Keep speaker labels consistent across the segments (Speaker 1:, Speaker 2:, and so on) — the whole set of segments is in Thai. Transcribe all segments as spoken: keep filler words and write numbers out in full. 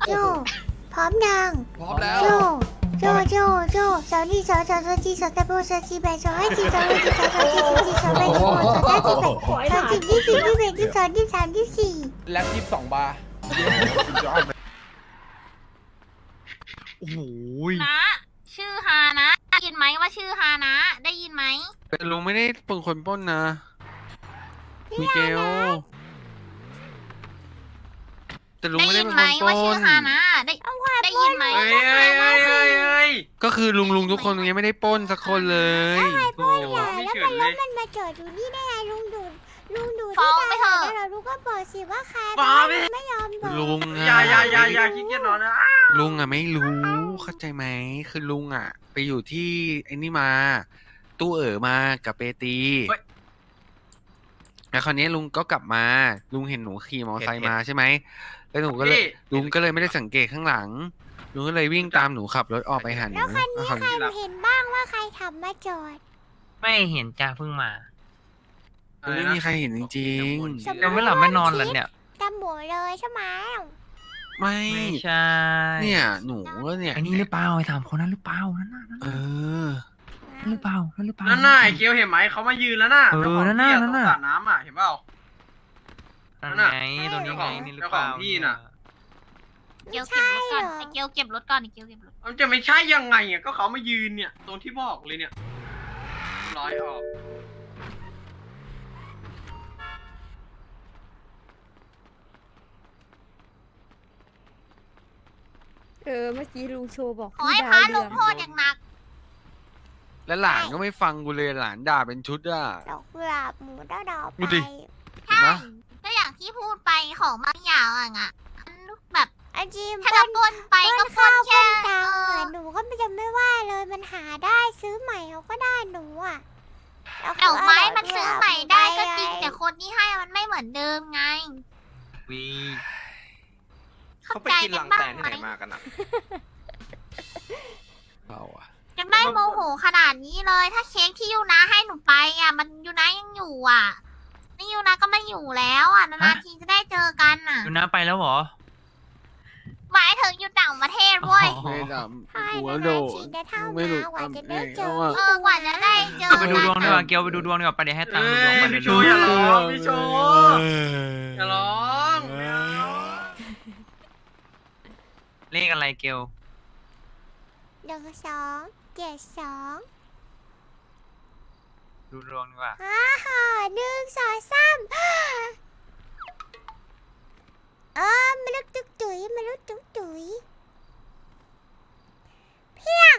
Speaker 1: โจพร้อมยัง
Speaker 2: พร้อมแล้ว
Speaker 1: โจโจโจโจสาวนี่สาวสาวสาวจีสาวตะโบสาวจีแบสาวไอจีสาวไอจีสาวสาวจีสาวจีสาวแบสาวสาวจีแบสาวจีที่สี่ที่แปดที่สองที่สามที่สี่
Speaker 2: แล็บยี่สิบสองบาร์
Speaker 3: โอ้โห
Speaker 4: นะชื่อฮานะได้ยินไหมว่าชื่อฮานะ ได้ยินไหม
Speaker 3: แต่ลุงไม่ได้เป็นคนปล้นนะมิเกลแต่ลุง
Speaker 4: ได้
Speaker 3: ไม่ได้
Speaker 4: ยิน
Speaker 3: เป็น
Speaker 4: ไหม
Speaker 3: คนป
Speaker 4: ว่า
Speaker 3: ล้
Speaker 4: ชื่อน ฮานะได้ได้ยินไหม
Speaker 5: เฮ้ยเฮ้ยเฮ้ยเฮ้ยเฮ้ย
Speaker 3: ก็คือลุงลุงทุกคนยังไม่ได้ปล้นสักคนเลยโอ้
Speaker 1: อย่าแล้วมันแล้วมันมาจอดอยู่นี่ได้ไงลุงดูลุงดู
Speaker 4: ฟ้
Speaker 1: ที่
Speaker 4: องไป
Speaker 1: ตา
Speaker 4: เถอะ
Speaker 1: แล้วลุงก็บอกสิว่าใคร
Speaker 5: ฟ้องไป
Speaker 1: ไม่ยอมบอก
Speaker 3: ลุง
Speaker 5: อย่า
Speaker 3: อะ
Speaker 5: อย่าอย่าอย่าขี้เกียจนอนนะ
Speaker 3: ลุงอะไม่รู้เข้าใจไหมคือลุงอะไปอยู่ที่ไอ้นี่มา ตู้เอ๋อมากับเปตีแล้วคราวนี้ลุงก็กลับมา ลุงเห็นหนูขี่มอเตอร์ไซค์มาใช่ไหมแล้วหนูก็เลยลุงก็เลยไม่ได้สังเกตข้างหลังลุงก็เลยวิ่งตามหนูขับรถออกไปหาหนู
Speaker 1: แล้วคันนี้
Speaker 3: แล้วคราว
Speaker 1: ใครเห็นบ้างว่าใครทำมาจอด
Speaker 6: ไม่เห็นจ้าเพิ่งมา
Speaker 3: ไม่มีใครเห็นจริง
Speaker 1: สมมุติ
Speaker 6: ยังไม่หลับไม่นอนเหรอเนี่ย
Speaker 1: ตำหมูเลยใช่ไหม
Speaker 3: ๆไม่
Speaker 6: ไม่ใช่
Speaker 3: เนี่ยหนูก็เนี่ย
Speaker 6: ไอ้นี่หรือเปล่าไอ้ถามคนนั้นหรือเปล่านั่นน่ะนั่น
Speaker 3: เอ
Speaker 6: น่ะ
Speaker 3: อ
Speaker 6: นั่นหรือเปล่านั่นหรือเปล่า
Speaker 5: นั่นน่ะไอ้เกียวเห็นไหมเขามายืนแล้วน่ะ
Speaker 6: เออ
Speaker 5: เจ้าของ
Speaker 6: นั่นน่ะ
Speaker 5: ที่
Speaker 6: นั่นน่ะ
Speaker 5: ตรงสระน้ำอ่ะเห็นเปล่า
Speaker 6: นั่น
Speaker 5: นั่นน่ะ
Speaker 6: ไงตัวนี้ไงนี่หรือ
Speaker 5: เจ้า
Speaker 6: เป
Speaker 5: ขอ
Speaker 6: ล่าง
Speaker 5: ที่น่ะ
Speaker 4: เกียวเก็บรถก่อนไอเกียวเก็บรถก่อนไอเกียวเก็บรถ
Speaker 5: มันจะไม่ใช่ยังไงอ่ะก็เขามายืนเนี่ยตรงที่บอกเลยเนี่ยร้อยออก
Speaker 7: เออเมื่อกี้ลุงโชว์บอก
Speaker 4: ขอให้
Speaker 7: พี่
Speaker 4: พระ
Speaker 7: ดาว
Speaker 4: ล
Speaker 7: เรือง
Speaker 4: โทษอย่างหนัก
Speaker 3: แล้วหลานก็ไม่ฟังกูเลยหลานด่าเป็นชุดอ่ะ
Speaker 1: ดอกกุหลาบหมูดาวดอก
Speaker 3: ดู
Speaker 1: ไป
Speaker 3: ดิ
Speaker 4: ใช่ก็อย่างที่พูดไปของบางอย่างอะอะมันแบบ
Speaker 1: อาจีม
Speaker 4: ถ้า
Speaker 1: ป
Speaker 4: เรา
Speaker 1: น
Speaker 4: ปล้นไป
Speaker 1: ป
Speaker 4: ก็
Speaker 1: น
Speaker 4: ปล้
Speaker 1: ข้าน วป
Speaker 4: แค่
Speaker 1: นตัง
Speaker 4: เอ
Speaker 1: ค์
Speaker 4: อ
Speaker 1: อะหนูก็จะไม่ว่าเลยมันหาได้ซื้อใหม่เขาก็ได้หนูอ่ะแล้ว
Speaker 4: ดอกไม้
Speaker 1: เา
Speaker 4: มัน
Speaker 1: กุห
Speaker 4: ซื้อ
Speaker 1: ลาบ
Speaker 4: ใหม่ได้ก็จริง
Speaker 1: ไป
Speaker 4: แต่คนที่ให้มันไม่เหมือนเดิมไง
Speaker 6: วี
Speaker 4: เข้าใจกันบ้างไหม
Speaker 3: เราอ่ะ
Speaker 4: ยังได้โมโหขนาดนี้เลย ถ้าเค้กที่ยูนะให้หนูไปอ่ะ มันยูนะยังอยู่อ่ะนี่ยูนะก็ไม่อยู่แล้วอ่ะนานๆทีจะได้เจอกันอ่ะ
Speaker 6: ดูน้าไปแล้วเหรอ
Speaker 4: หมายถึงอยู่ต่างประเทศเว้ย
Speaker 6: อ๋อ
Speaker 3: ไม่ด
Speaker 1: ใช่
Speaker 3: ำหัว
Speaker 1: นะ
Speaker 3: โด
Speaker 1: นะ
Speaker 3: ด
Speaker 1: ฉีดได้เท่า
Speaker 3: ไม่
Speaker 1: มา
Speaker 3: รู้
Speaker 1: กว่าจะได้
Speaker 3: ทำ
Speaker 1: เจอ
Speaker 3: ไง
Speaker 4: เออกว่าจะได้เจอ
Speaker 6: ไปดูดวงดีกว่าเกียวไปดูดวงดีกว่าไปเดี๋ยวให้ตังค์ดูดวงไป
Speaker 5: เอ้ย
Speaker 6: เดี๋ยว
Speaker 5: พี่
Speaker 6: ดู
Speaker 5: โชว์อย่าร้องพี่โชว์อย่าร้องไม่เอา
Speaker 6: เลขอะไรเกียว
Speaker 1: หนึ่งสองเจ็ดสอง
Speaker 6: ดูดวงดีกว่า
Speaker 1: ฮ่าฮ่าหนึ่งสองสามเออมนุษย์ตุ๊กตุ๋ยมนุษย์ตุ๊กตุ๋ยเพียง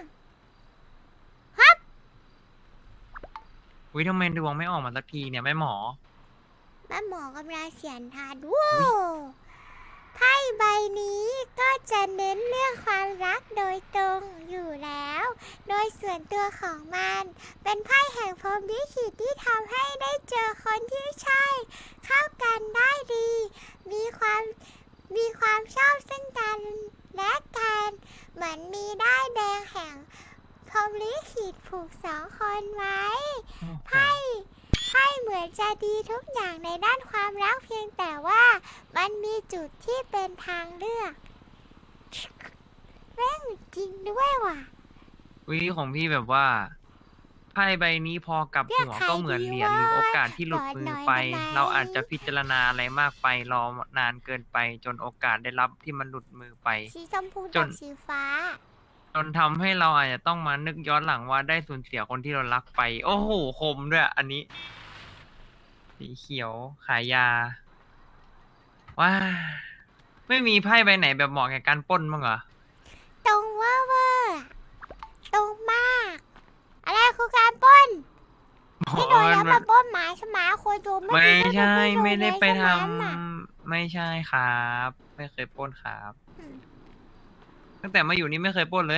Speaker 6: วิทำไมดวงไม่ออกมาสักทีเนี่ยแม่หมอ
Speaker 1: แม่หมอกำลังเสียนทานว้าวไพ่ใบนี้ก็จะเน้นเรื่องความรักโดยตรงอยู่แล้ว โดยส่วนตัวของมัน เป็นไพ่แห่งพรหมลิขิตที่ทำให้ได้เจอคนที่ใช่ เข้ากันได้ดี มีความมีความชอบซึ่งกันและกันเหมือนมีได้ายแดงแห่งพรหมลิขิตผูกสองคนไว้ ไพ่ไพ่เหมือนจะดีทุกอย่างในด้านความรักเพียงแต่ว่ามันมีจุดที่เป็นทางเลือกแม่งจริงด้วยว่ะ
Speaker 6: วิของพี่แบบว่าไพ่ใบนี้พอกลับหัวก็เหมือนเหรียญหรือโอกาสที่หลุดมือไป เราอาจจะพิจารณาอะไรมากไปรอนานเกินไป จนโอกาสได้รับที่มันหลุดมือไป
Speaker 1: สีชมพู
Speaker 6: จ
Speaker 1: กัน บสีฟ้า
Speaker 6: จนทำให้เราอาจจะต้องมานึกย้อนหลังว่าได้สูญเสียคนที่เรารักไป โอ้โหคมด้วยอันนี้ สีเขียวขายยา ว้า ไม่มีไพ่ใบไหนแบบเหมาะแก่การปล้นบ้างเหรอ
Speaker 1: ตรงเว่าเวอร์ตรงมาก อะไรคือการปล้นที่โดนแล้วมาปล้นหมาใช่ไหมคนดู
Speaker 6: ไม่ใช่ไม่ได้ไปท
Speaker 1: ใช่หมน่ะ
Speaker 6: ำไม่ใช่ครับ ไม่เคยปล้นครับ
Speaker 1: อืม
Speaker 6: ตั้งแต่มาอยู่นี่ไม่เคยปล้นเลย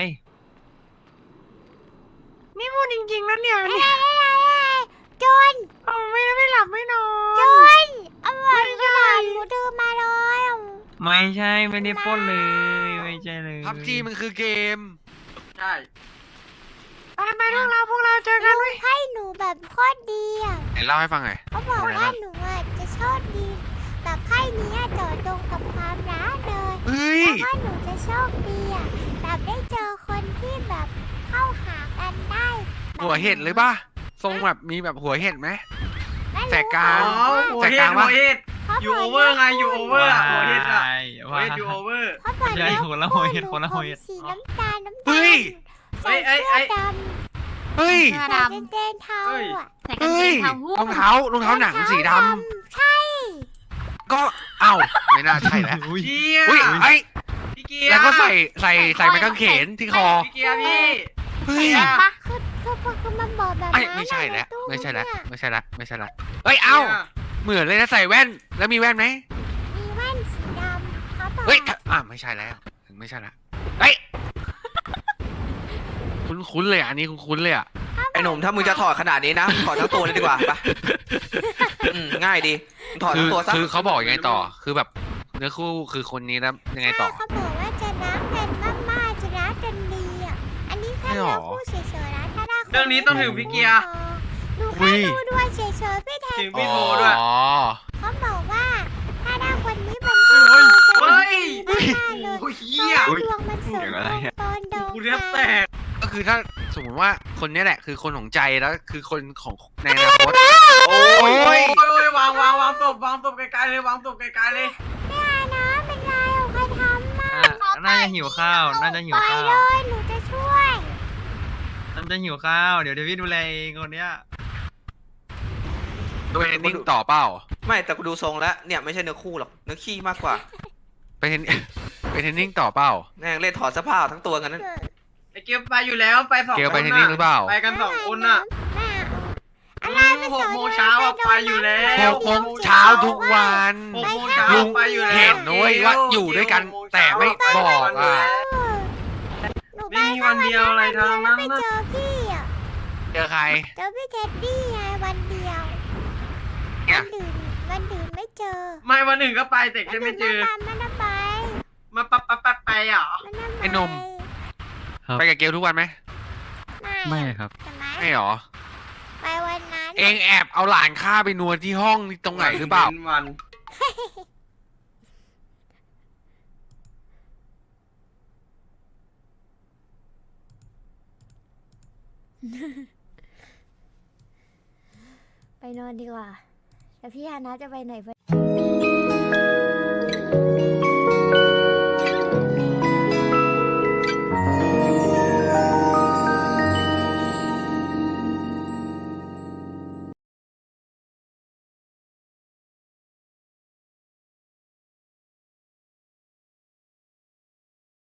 Speaker 6: นี่พูดจริงๆแล้วเนี่ย
Speaker 1: อะไร
Speaker 6: เนี่ย
Speaker 1: อะไรอะไรโจร
Speaker 6: เอาไม่ไม่หลับไม่นอ
Speaker 1: โจ
Speaker 6: น
Speaker 1: รเอาไว้กระดาษหนูเดินมาเลย
Speaker 6: ไม่ใช่ไม่ได้ปล้นเลย ไม่ใช่เลย
Speaker 3: พับจีมันคือเกม
Speaker 5: ใช่
Speaker 6: ไปไปพวกเราพวกเราเจอกัน
Speaker 1: ลุงให้หนูแบบโคตรดีอ่ะ
Speaker 3: ไหนเล่าให้ฟังหน่อย
Speaker 1: เขาบอก
Speaker 3: อะไร
Speaker 1: ว่า
Speaker 3: นะ
Speaker 1: หนูอ่ะจะโชคดีแบบไพ่นี้อะเจาะตรงกับความรักเลย
Speaker 3: เฮ้ย
Speaker 1: แล้วก็หนูจะโชคดีอ่ะแบบได้เจอคนที่แบบเข้าหากันได้แบบ
Speaker 3: หัวเห็ดเลยป่ะทรงแบบมีแบบหัวเห็ดไหม
Speaker 1: ไม่
Speaker 3: แสกกลา
Speaker 5: อ๋
Speaker 3: ง
Speaker 5: อโอ
Speaker 3: แต่
Speaker 5: เฮ
Speaker 3: กลา
Speaker 5: ด
Speaker 3: ง
Speaker 5: โอ
Speaker 3: วะ
Speaker 5: เฮด
Speaker 1: เขา
Speaker 5: อยู่
Speaker 1: บ
Speaker 5: โอก เวอร์ไงอยู่โอเวอร์อะโอเฮดอะโอ
Speaker 6: ว่า
Speaker 5: เฮดอยู่โอเวอร์
Speaker 1: เขาบอก
Speaker 6: ใช่
Speaker 1: แล้ว
Speaker 6: คนละหัวเห็ดคนละหัวเห็ด
Speaker 1: ผม
Speaker 6: คนละหัวเห็ด
Speaker 1: สีน้ำตาลน้ำ
Speaker 3: เฮ้
Speaker 1: ตาล
Speaker 3: ย
Speaker 1: ใส่
Speaker 5: เอ้ย
Speaker 1: เสื้
Speaker 5: เอ้
Speaker 1: อย ด
Speaker 3: เฮ้ย
Speaker 4: เสื้อ
Speaker 1: ำใส่
Speaker 4: ด
Speaker 1: กางเกงเทา
Speaker 5: เฮ้ย
Speaker 1: อ่ะ
Speaker 4: ำใส่กาง
Speaker 3: เฮ้
Speaker 4: เก
Speaker 3: ย
Speaker 4: งเท้าหุ้
Speaker 3: รองเท้ารองเท้าหนังสีดำ
Speaker 1: ใช่
Speaker 3: ก็เอ้าไม่น่าใช่แล้ว
Speaker 6: อุ้ย
Speaker 5: เชี่ย
Speaker 3: อุ้ยไอ้
Speaker 5: พี่เกียร์
Speaker 3: แล้วก็ใส่ใส่ใส่ไม้กางเขนที่คอ
Speaker 5: พี่เกียร์พี่
Speaker 3: เฮ้ย
Speaker 5: ใส่อะ
Speaker 4: ปะ
Speaker 1: คือคือคือคือมันบอกแบบ
Speaker 3: ไอ้
Speaker 1: นั้น
Speaker 3: ไม่ใช่แล้ว
Speaker 1: ในตู้
Speaker 3: ไม่ใช่แล้ว
Speaker 1: เนี่ย
Speaker 3: ไม่ใช่แล้วไม่ใช่แล้วเอ้ยเอ้าเหมือนเลยนะใส่แว่นแล้วมีแว่นไหม
Speaker 1: มีแว่นสีดำเขาบอก
Speaker 3: เฮ้ยอ่ะไม่ใช่แล้วไม่ใช่ละเฮ้ยคุ้นๆเลยอ่ะอันนี้คุ้นๆเลยอ่ะ
Speaker 2: ไอ้หนุ่มถ้ามึงจะถอดขนาดนี้นะถอดทั้งตัวเลยดีกว่าไปอืมง่ายดีมึงถอด
Speaker 3: คื
Speaker 2: ทั้
Speaker 3: อง
Speaker 2: ตัวซะ
Speaker 3: คือเขาบอกยังไงต่อ คือแบบเนื้อคู่คือคนนี้แล้วยังไงต่อ
Speaker 1: ใช่เขาบอกว่าจะรักกันมากๆจะรักกันดีอ่ะอันนี้แค่
Speaker 3: ไม่หร
Speaker 1: เรา
Speaker 3: อ
Speaker 1: พูดเฉยๆนะถ้าได้คน
Speaker 5: เรื่องนี้ต้องถึงพี่เกียร์
Speaker 1: ดู
Speaker 3: อุ้
Speaker 1: แค่
Speaker 3: ย
Speaker 1: ดูด้วยเฉยๆพี่แทน
Speaker 5: ถึงพี่โทรด้วย
Speaker 3: อ๋อ
Speaker 1: เขาบอกว่าถ้าได้คนนี้เป็น
Speaker 5: เฮ้ย
Speaker 1: จะ
Speaker 5: เฮ้ย
Speaker 1: ดีมากๆเลย
Speaker 5: โอ้ย
Speaker 1: เพ
Speaker 5: เหี้ย
Speaker 1: ราะว่าดวงมันสม
Speaker 6: อย่างอะไรอะ
Speaker 1: ตอนดวง
Speaker 5: กูเรียบแตก
Speaker 3: ก็คือถ้าสมมติว่าคนนี้แหละคือคนของใจแล้วคือคนของในอนาคต
Speaker 5: โอ้ย
Speaker 3: โอ้
Speaker 5: โอ้
Speaker 3: ย
Speaker 5: ยโอ้ยวางวางวางศพวางศพไกลๆเลยวางศพไกลๆเลย
Speaker 1: ไม่เอานะเป็นไรเอาใครทำมา
Speaker 6: อ่ะน่าจะหิวข้าว น่าจะหิว
Speaker 1: ไป
Speaker 6: ข้าว
Speaker 1: เลยหนูจะช่วย
Speaker 6: น่าจะหิวข้าว เดี๋ยวเดี๋ยวพี่ดูแลเองคนเนี้ย
Speaker 3: โดยเอนดิ้งต่อเปล่า
Speaker 2: ไม่แต่กูดูทรงแล้วเนี่ยไม่ใช่เนื้อคู่หรอกเนื้อขี้มากกว่า
Speaker 3: ไปเทน ไปเทนนิ่งต่อเปล่า
Speaker 2: แม่งเล่นถอดเสื้อผ้าทั้งตัวกันนั้น
Speaker 5: ไอเกียวไปอยู่แล้วไปสอง
Speaker 3: เกียว
Speaker 5: ค
Speaker 3: ไป
Speaker 5: น
Speaker 3: เทนนิ่งหรือเปล่า
Speaker 5: ไปกันสองคนน่ะ
Speaker 1: แม่เอาอะไร
Speaker 5: อืม
Speaker 1: ไป
Speaker 5: ห
Speaker 1: ส
Speaker 5: ก
Speaker 1: อน
Speaker 5: โมงเช้าอะไปอยู่แล้ว
Speaker 3: หกโมงเช้าทุกวัน
Speaker 5: หกโมงเช้า
Speaker 3: ลุง
Speaker 5: ไปอยู่แล้ว
Speaker 3: เห็นนะเว้ยว่าอยู่ด้วยกันแต่ไม่บอกอ่ะ
Speaker 1: หนูไป
Speaker 5: ไม่มีวันเดียวอะไรทั้งนั้น
Speaker 1: ไป
Speaker 5: นะ
Speaker 1: เจอพี่อ่ะ
Speaker 3: เจอใคร
Speaker 1: เจอพี่เท็ดดี้ไงวันเดียว
Speaker 3: เนี่
Speaker 1: วั
Speaker 3: ย
Speaker 1: นอื่นวันอื่นไม่เจอ
Speaker 5: ไม่วันหนึ่งก็ไปแต่แค่ไม่เจอ
Speaker 1: มันน่ะไป
Speaker 5: มาปั๊บปั๊บปั๊บไปอ่ะ
Speaker 1: มันน่ะไป
Speaker 3: ไอ้หนุ่ม
Speaker 8: ครับ
Speaker 3: ไปกับเกลทุกวันไหม
Speaker 1: ไม่
Speaker 8: ไม่
Speaker 1: อะ
Speaker 8: ครับ
Speaker 1: ใช่ไหม
Speaker 3: ไม่หรอ
Speaker 1: ไปวันนั้น
Speaker 3: เองแอบเอาหลานข้าไปนวดที่ห้องตรงไหนหรือเปล่า
Speaker 5: วัน
Speaker 7: ไปนอนดีกว่า แล้วพี่ฮานะจะไปไหน